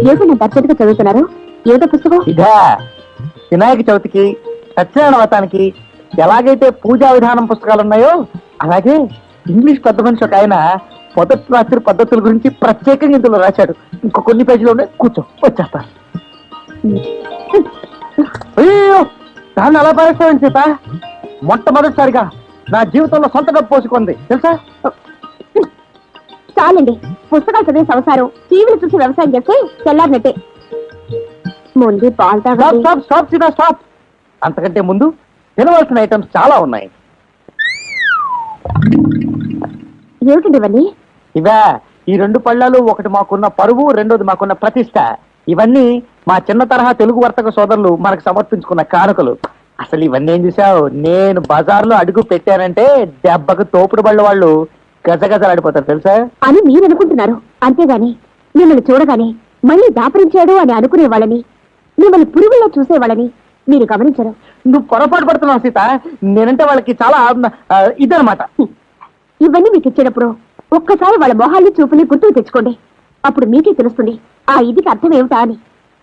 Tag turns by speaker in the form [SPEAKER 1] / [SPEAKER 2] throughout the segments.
[SPEAKER 1] ఏమిటంటే అర్జెంట్గా చదువుతున్నారు? ఏదో పుస్తకం?
[SPEAKER 2] ఇదా వినాయక చవితికి సత్యనారాయణ వ్రతానికి ఎలాగైతే పూజా విధానం పుస్తకాలు ఉన్నాయో అలాగే ఇంగ్లీష్ పెద్ద మనిషి ఒక ఆయన మొదటి రాత్రి పద్ధతుల గురించి ప్రత్యేకంగా ఇందులో రాశాడు. ఇంకో కొన్ని పేజీలు ఉన్నాయి, కూర్చో వచ్చేస్తా. అయ్యో దాన్ని అలా పారేస్తామని సీత, మొట్టమొదటిసారిగా నా జీవితంలో సొంత డబ్బు పోసుకుంది తెలుసా.
[SPEAKER 1] చాలండి, పుస్తకాలు చదివే సంసారం టీవీలు చూసి వ్యవసాయం చేస్తే తెల్లారినట్టే. ముందు పాలు తాగండి.
[SPEAKER 2] Stop stop Sita stop. అంతకంటే ముందు తినవలసిన ఐటమ్స్ చాలా ఉన్నాయి.
[SPEAKER 1] ఏమిటండి ఇవన్నీ?
[SPEAKER 2] ఇవా ఈ రెండు పళ్ళాలు, ఒకటి మాకున్న పరువు, రెండోది మాకున్న ప్రతిష్ట. ఇవన్నీ మా చిన్న తరహా తెలుగు వర్తక సోదరులు మనకు సమర్పించుకున్న కానుకలు. అసలు ఇవన్నీ ఏం చూసావు, నేను బజార్లో అడుగు పెట్టానంటే దెబ్బకు తోపుడు బళ్ళ వాళ్ళు గజగజలాడిపోతారు తెలుసా
[SPEAKER 1] అని మీరు అనుకుంటున్నారు. అంతేగాని మిమ్మల్ని చూడగానే మళ్ళీ దాపరించాడు అని అనుకునే వాళ్ళని, మిమ్మల్ని పురుగుల్లో చూసేవాళ్ళని మీరు గమనించరు.
[SPEAKER 2] నువ్వు పొరపాటు పడుతున్నావు సీత. నేనంటే వాళ్ళకి చాలా ఇదనమాట.
[SPEAKER 1] ఇవన్నీ మీకు ఇచ్చేటప్పుడు ఒక్కసారి వాళ్ళ మొహాల్ని చూపుని గుర్తుకు తెచ్చుకోండి. అప్పుడు మీకే తెలుస్తుంది ఆ ఇదికి అర్థం ఏమిటా అని.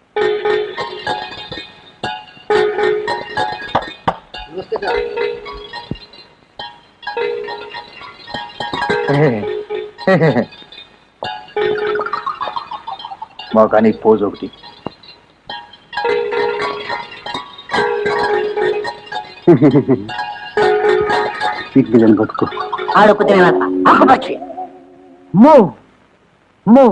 [SPEAKER 2] మా కానీ పోజ్ ఒకటి. పట్టుకో ఆడొక్క పక్షి మో మో.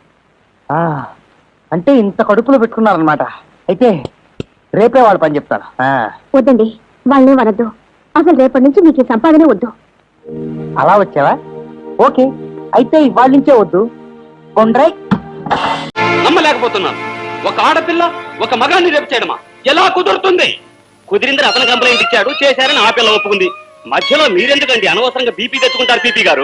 [SPEAKER 2] అంటే ఇంత కడుపులో పెట్టుకున్నారనమాట. అయితే రేపే వాళ్ళు పని చెప్తాను.
[SPEAKER 1] వద్దండి, వాళ్ళని వనద్దు. అసలు రేపటి నుంచి మీకు ఈ సంపాదనే వద్దు.
[SPEAKER 2] అలా వచ్చావా? ఓకే, అయితే ఇవాళ నుంచే వద్దు. కొండ్రై
[SPEAKER 3] నమ్మలేకపోతున్నాను. ఒక ఆడపిల్ల ఒక మగాన్ని రేపు చేయడమా? ఎలా కుదురుతుంది? కుదిరిందని అతను కంప్లైంట్ ఇచ్చాడు, చేశారని ఆ పిల్ల ఒప్పుకుంది. మధ్యలో మీరెందుకండి అనవసరంగా బీపీ తెచ్చుకుంటారు? పీపీ గారు,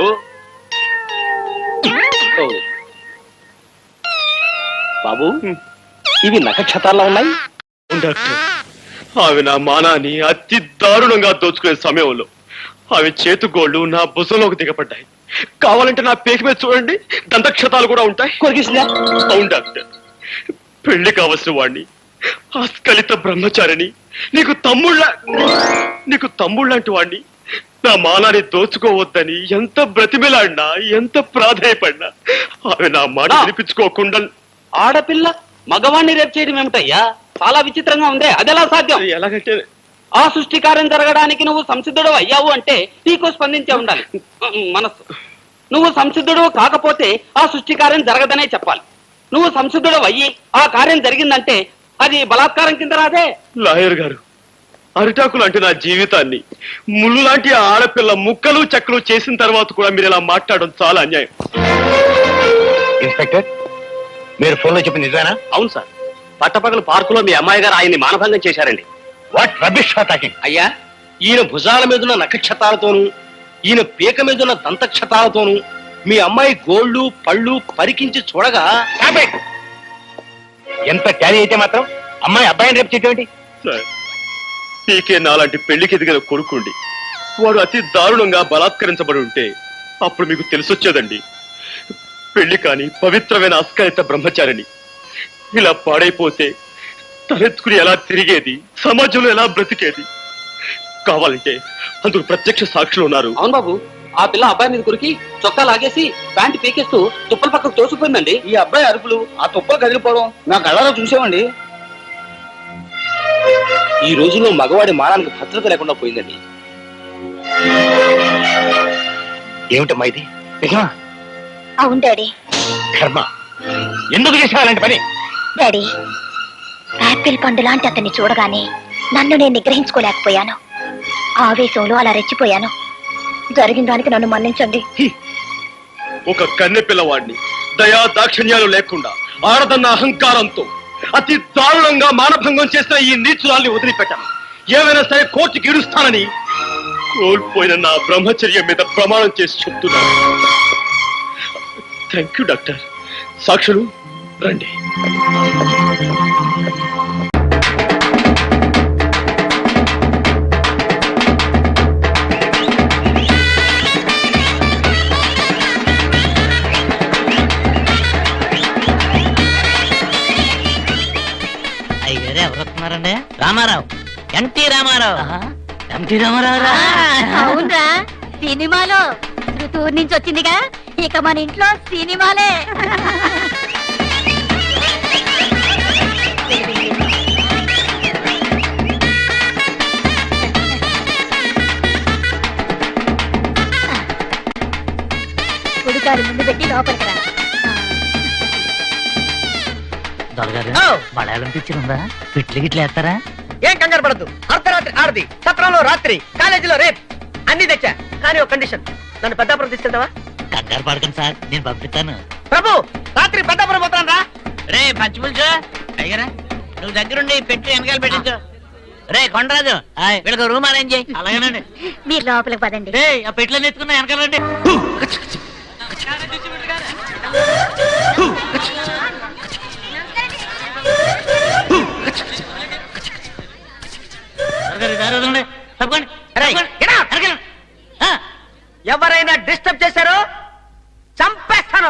[SPEAKER 3] బాబు ఇవి నక్షత్రాల్లో ఉన్నాయి.
[SPEAKER 4] డాక్టర్, ఆమె నా మానాన్ని అతి దారుణంగా దోచుకునే సమయంలో ఆమె చేతుగోళ్లు నా భుజంలోకి దిగబడ్డాయి. కావాలంటే నా పేక మీద చూడండి, దంతక్షతాలు కూడా ఉంటాయి. అవును డాక్టర్, పెళ్లి కావలసిన వాడిని, ఆస్కలిత బ్రహ్మచారిని, నీకు తమ్ముళ్ళంటి వాడిని నా మానాన్ని దోచుకోవద్దని ఎంత బ్రతిమిలాడినా, ఎంత ప్రాధాయపడినా ఆమె నా మాట వినిపించుకోకుండా.
[SPEAKER 3] ఆడపిల్ల మగవాణ్ణి రేపు చేయడం ఏమిటయ్యా? చాలా విచిత్రంగా ఉందే. అదెలా సాధ్యం?
[SPEAKER 4] ఎలాగంటే
[SPEAKER 3] ఆ సృష్టి కార్యం జరగడానికి నువ్వు సంసిద్ధుడు అయ్యావు అంటే నీకు స్పందించే ఉండాలి మనస్సు. నువ్వు సంసిద్ధుడు కాకపోతే ఆ సృష్టి కార్యం జరగదనే చెప్పాలి. నువ్వు సంసిద్ధుడు అయ్యి ఆ కార్యం జరిగిందంటే అది బలాత్కారం కింద రాదే.
[SPEAKER 4] లాయర్ గారు, అరిటాకు లాంటి నా జీవితాన్ని ముళ్ళు లాంటి ఆడపిల్ల ముక్కలు చెక్కలు చేసిన తర్వాత కూడా మీరు ఇలా మాట్లాడడం చాలా అన్యాయం.
[SPEAKER 3] ఇన్స్పెక్టర్, మీరు ఫోన్లో చెప్పి నిజమేనా? అవును సార్, పట్టపగలు పార్కులో మీ అమ్మాయి గారు ఆయన్ని మానభంగం చేశారండి.
[SPEAKER 4] What rubbish talking?
[SPEAKER 3] అయ్యా, ఈయన భుజాల మీదున్న నక్షత్రాలతోనూ ఈయన పీక మీదున్న దంతక్షతాలతోనూ మీ అమ్మాయి గోళ్లు పళ్ళు పరికించి చూడగా
[SPEAKER 4] ఎంత ట్యాలీ అయితే మాత్రం అమ్మాయి అబ్బాయిని రేపు చేయటం సార్, పీకే నాలాంటి పెళ్లికి ఎదిగిన కొడుకుండి వాడు అతి దారుణంగా బలాత్కరించబడి ఉంటే అప్పుడు మీకు తెలిసొచ్చేదండి. పెళ్లి కాని పవిత్రమైన అస్కలిత బ్రహ్మచారిని ఇలా పాడైపోతే తలెత్తుకుని ఎలా తిరిగేది, సమాజంలో ఎలా బ్రతికేది? కావాలంటే అందుకు ప్రత్యక్ష సాక్షులు ఉన్నారు.
[SPEAKER 3] అవును బాబు, ఆ పిల్ల అబ్బాయి మీద కురికి చొక్కా లాగేసి ప్యాంటు పీకేస్తూ తుప్పల పక్కకు తోసిపోయిందండి.
[SPEAKER 5] ఈ అబ్బాయి అరుపులు, ఆ తుప్పలు కదిలిపోవడం నా కళ్ళలో చూసామండి.
[SPEAKER 3] ఈ రోజుల్లో మగవాడి మానానికి భద్రత లేకుండా పోయిందండి.
[SPEAKER 4] ఏమిటమ్మా ఇది? నిజమా?
[SPEAKER 1] అవును డాడీ.
[SPEAKER 4] కర్మ, ఎందుకు చేసావు అలాంటి పని?
[SPEAKER 1] డాడీ, యాపిల్ పండు లాంటి అతన్ని చూడగానే నన్ను నేను నిగ్రహించుకోలేకపోయాను. ఆవేశంలో అలా రెచ్చిపోయాను. జరిగిన దానికి నన్ను మన్నించండి.
[SPEAKER 4] ఒక కన్నె పిల్లవాడిని దయా దాక్షిణ్యాలు లేకుండా ఆడదన్న అహంకారంతో అతి దారుణంగా మానభంగం చేసిన ఈ నీచురాల్ని వదిలిపెట్టాను. ఏమైనా సరే కోర్టుకి ఇడుస్తానని కోల్పోయిన నా బ్రహ్మచర్యం మీద ప్రమాణం చేసి చెప్తున్నాను. Thank you doctor. సాక్షులు రండి.
[SPEAKER 6] ఎవరండి? రామారావు, ఎన్టీ రామారావు. ఎన్టీ రామారావు.
[SPEAKER 1] అవునరా, సినిమాలో ఋతువు నుంచి వచ్చిందిగా, ఇక మన ఇంట్లో సినిమాలే. కుడికాలు ముందు పెట్టి లోపలికి రా.
[SPEAKER 6] దొరగారు, మలయాళం పిక్చర్ ఉందా? పిట్లు గిట్లు వేస్తారా?
[SPEAKER 2] ఏం కంగారు పడద్దు. అర్ధరాత్రి ఆడది, సత్రంలో రాత్రి, కాలేజీలో రేప్ అన్ని తెచ్చా. కానీ ఒక కండిషన్, నన్ను పెద్దాపురం తీసుకెళ్తావా?
[SPEAKER 6] కంగారు పడకండి సార్, నేను పంపిస్తాను.
[SPEAKER 2] ప్రభు, రాత్రి పెద్దాపురం పోతాను రా.
[SPEAKER 6] రే పచ్చిపులుచు అయ్యరా, నువ్వు దగ్గరుండి పెట్టి వెనకాల పెట్టించు. రే కొండరాజు, వీళ్ళకి రూమ్ అరేంజ్ చేయి. అలాగేనండి.
[SPEAKER 1] మీరు లోపలికి పదండి.
[SPEAKER 6] రే ఆ పెట్లో ఎత్తుకున్నా వెనకాలండి.
[SPEAKER 2] ఎవరైనా డిస్టర్బ్ చేశారో చంపేస్తాను.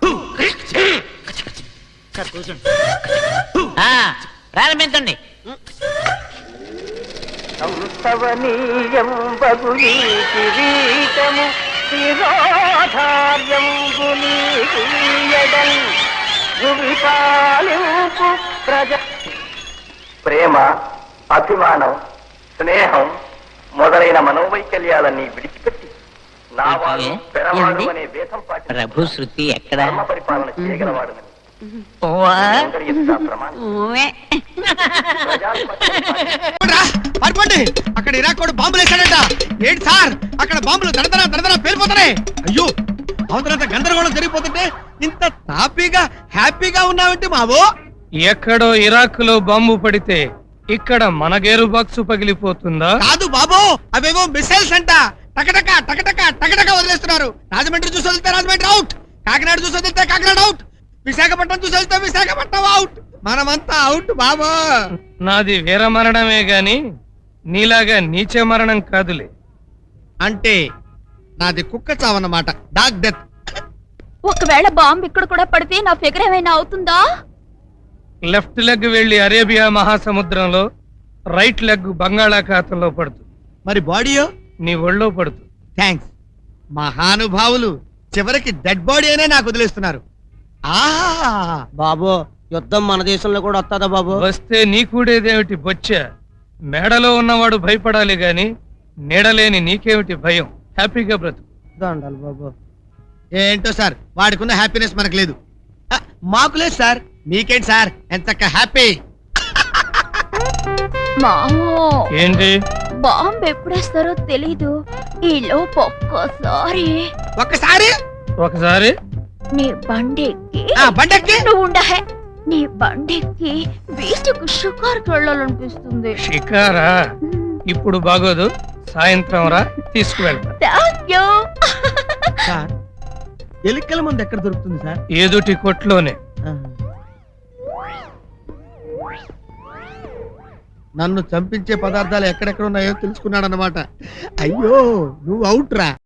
[SPEAKER 6] సార్ కూర్చోండి. ప్రారంభించండి.
[SPEAKER 7] ప్రేమ, అభిమానం, స్నేహం మొదలైన మనోవైకల్యాలన్నీ విడిచిపెట్టి నా వాడు పెరవాడు అనే వేదం పాటి
[SPEAKER 6] ప్రభు శృతి ఎక్కడ?
[SPEAKER 7] ధర్మ పరిపాలన చేయగలవాడు
[SPEAKER 8] పడుకోండి. అక్కడ ఇరాకోడు బాంబులు వేశాడట. ఏంటి సార్, అక్కడ బాంబులు దడదరా పేలిపోతున్నాయి. అయ్యో, అవతలంత గందరగోళం జరిగిపోతుంటే ఇంత హ్యాపీగా ఉన్నావంటే మావో.
[SPEAKER 9] ఎక్కడో ఇరాక్ లో బాంబు పడితే ఇక్కడ మన గేరు బాక్సు పగిలిపోతుందా?
[SPEAKER 8] కాదు బాబు, అవేవో మిసైల్స్ అంట. టకటక వదిలేస్తున్నారు. రాజమండ్రి చూసి వదిలితే రాజమండ్రి అవుట్, కాకినాడ చూసి వదిలితే కాకినాడ అవుట్, విశాఖపట్నం చూసి వదిలితే విశాఖపట్నం అవుట్. మనమంతా అవుట్ బాబు.
[SPEAKER 9] నాది వీర మరణమే గాని నీలాగా నీచ మరణం కాదులే.
[SPEAKER 8] అంటే నాది కుక్క చావన్నమాట, డాగ్ డెత్.
[SPEAKER 1] ఒకవేళ బాంబు ఇక్కడ కూడా పడితే నా ఫిగర్ ఏమైనా అవుతుందా?
[SPEAKER 9] లెఫ్ట్ లెగ్ వెళ్లి అరేబియా మహాసముద్రంలో, రైట్ లెగ్ బంగాళాఖాతంలో పడుతుంది.
[SPEAKER 8] మరి బాడీయో
[SPEAKER 9] నీ ఒళ్ళో పడుతుంది.
[SPEAKER 8] థ్యాంక్స్ మహానుభావులు, చివరికి డెడ్ బాడీ అయినా నాకు వదిలేస్తున్నారు. బాబు, యుద్ధం మన దేశంలో కూడా వస్తుందా బాబు?
[SPEAKER 9] వస్తే నీ కూడేదేమిటి బొచ్చ? మేడలో ఉన్నవాడు భయపడాలి గాని నీడలేని నీకేమిటి భయం? హ్యాపీగా బ్రతుకు.
[SPEAKER 8] దండాలి బాబు. ఏంటో సార్, వాడికున్న హ్యాపీనెస్ మనకు లేదు. మాకు లేదు సార్, మీకేంటి సార్ ఎంత హ్యాపీ?
[SPEAKER 9] ఏంటి?
[SPEAKER 1] బాంబు ఎప్పుడేస్తారో తెలీదు. ఈ లోపు ఒక్కసారి
[SPEAKER 9] ఒకసారి
[SPEAKER 1] నీ బండెక్కి
[SPEAKER 8] బండెక్కి
[SPEAKER 1] నువ్వు ఉండహే, నీ బండెక్కి బీచ్కు షికార్కి వెళ్ళాలనిపిస్తుంది.
[SPEAKER 9] షికారా? ఇప్పుడు బాగోదు, సాయంత్రం రా, తీసుకువెళ్తా.
[SPEAKER 1] Thank you.
[SPEAKER 8] సార్, ఎలుకల మందు ఎక్కడ దొరుకుతుంది సార్?
[SPEAKER 9] ఏదుటి కొట్లోనే.
[SPEAKER 8] నన్ను చంపించే పదార్థాలు ఎక్కడెక్కడ ఉన్నాయో తెలుసుకున్నాడు అన్నమాట. అయ్యో, నువ్వు అవుట్ రా.